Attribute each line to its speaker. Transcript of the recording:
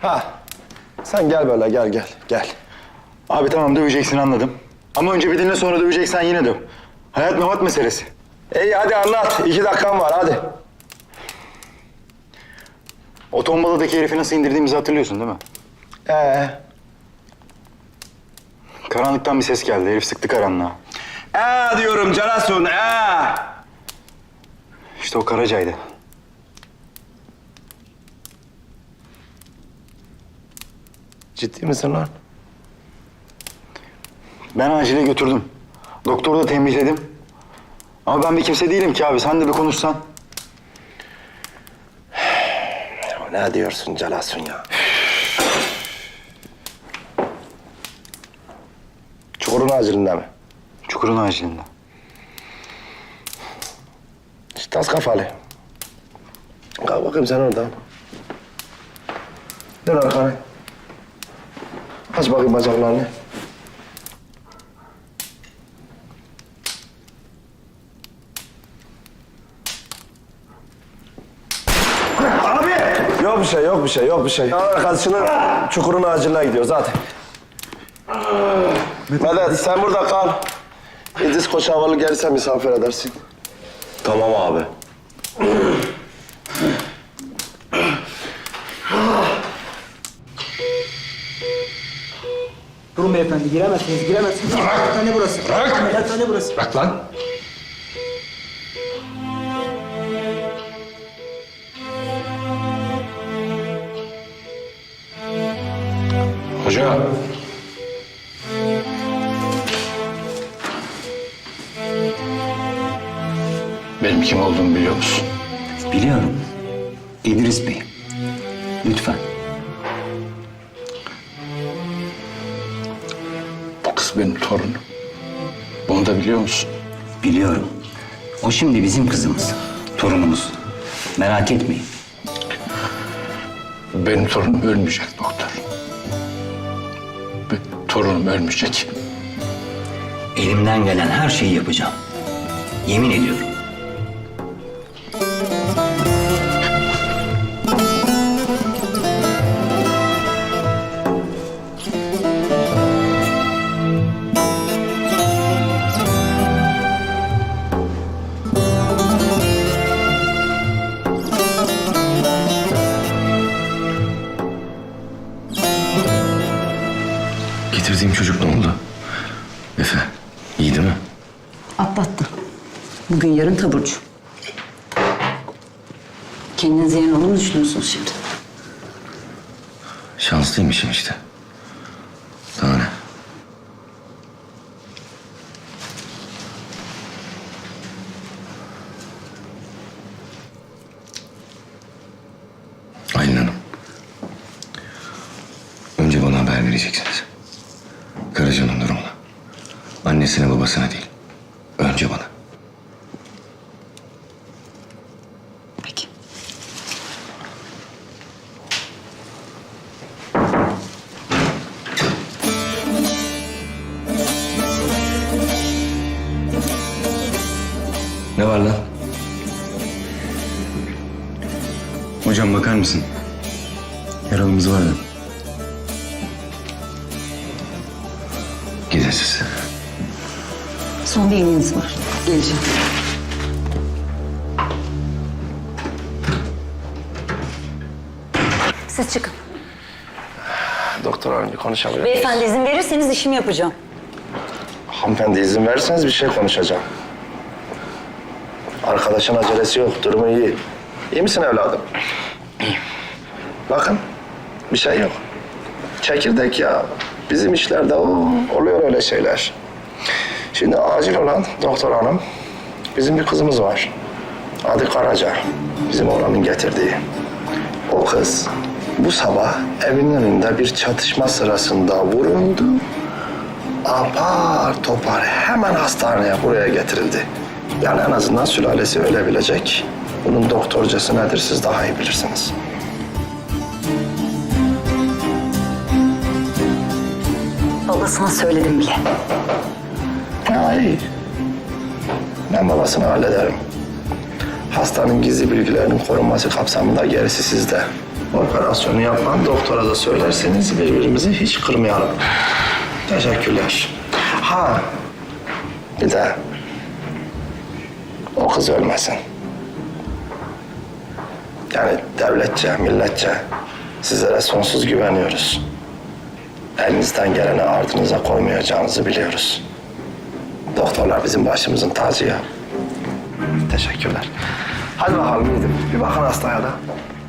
Speaker 1: Ha. Sen gel böyle gel.
Speaker 2: Abi tamam döveceksin anladım. Ama önce bir dinle sonra döveceksen yine döv. Hayat memat meselesi.
Speaker 1: İyi hadi anlat. 2 dakikan var hadi.
Speaker 2: O tombaladaki herifi nasıl indirdiğimizi hatırlıyorsun değil mi? Karanlıktan bir ses geldi. Herif sıktı karanlığa.
Speaker 1: Diyorum Canasun
Speaker 2: İşte o Karaca'ydı.
Speaker 1: Ciddi misin lan?
Speaker 2: Ben acile götürdüm. Doktoru da tembihledim. Ama ben bir kimse değilim ki abi. Sen de bir konuşsan.
Speaker 1: Ne diyorsun Canasun ya? Çukurun acilinde mi?
Speaker 2: Çukurun acilinde.
Speaker 1: İşte tas kafalı. Kalk bakayım sen oradan. Dön arkana. Aç bakayım bacaklarını. Abi! Yok bir şey. Arkadaşının çukurun aciline gidiyor zaten. Medet sen burada kal. İdris Koç havalı gelirse misafir edersin.
Speaker 3: Tamam abi.
Speaker 4: Durun beyefendi, giremezsiniz. Ameliyathane burası.
Speaker 3: Bırak!
Speaker 4: Ameliyathane burası.
Speaker 3: Bırak lan. Hoca. Benim kim olduğumu biliyor musun?
Speaker 5: Biliyorum. İdris Bey. Lütfen.
Speaker 3: Bu kız benim torunum. Bunu da biliyor musun?
Speaker 5: Biliyorum. O şimdi bizim kızımız. Torunumuz. Merak etmeyin.
Speaker 3: Benim torunum ölmeyecek doktor. Torunum ölmeyecek.
Speaker 5: Elimden gelen her şeyi yapacağım. Yemin ediyorum.
Speaker 6: Getirdiğim çocuk ne oldu? Efe, iyi değil mi?
Speaker 7: Atlattı. Bugün yarın taburcu. Kendinize yerin olur mu düşünüyorsunuz şimdi?
Speaker 6: Şanslıymışım işte. Daha ne? Aylin Hanım. Önce bana haber vereceksiniz. Karaca'nın durumuna. Annesine babasına değil. Önce bana.
Speaker 7: Peki.
Speaker 6: Ne var lan?
Speaker 2: Hocam bakar mısın? Yaralımız var da.
Speaker 6: Gidin siz.
Speaker 7: Son bir iğneniz var. Geleceğim. Siz çıkın.
Speaker 1: Doktor hanım bir konuşabilir.
Speaker 7: Beyefendi izin verirseniz işimi yapacağım.
Speaker 1: Hanımefendi izin verirseniz bir şey konuşacağım. Arkadaşın acelesi yok, durumu iyi. İyi misin evladım? İyiyim. Bakın, bir şey yok. Çekirdek ya. Bizim işlerde oluyor öyle şeyler. Şimdi acil olan doktor hanım, bizim bir kızımız var. Adı Karaca. Bizim oğlanın getirdiği. O kız bu sabah evinin önünde bir çatışma sırasında vuruldu. Apar topar hemen hastaneye buraya getirildi. Yani en azından sülalesi ölebilecek. Bunun doktorcası nedir siz daha iyi bilirsiniz.
Speaker 7: Babasına söyledim bile.
Speaker 1: Ha iyi. Ben babasını hallederim. Hastanın gizli bilgilerinin korunması kapsamında gerisi sizde. Operasyonu yapan doktora da söylerseniz birbirimizi hiç kırmayalım. Teşekkürler. Ha, bir de o kız ölmesin. Yani devletçe, milletçe sizlere sonsuz güveniyoruz. Elinizden geleni ardınıza koymayacağınızı biliyoruz. Doktorlar bizim başımızın tacı ya. Teşekkürler. Hadi bakalım gidin. Bir bakın hastaya da.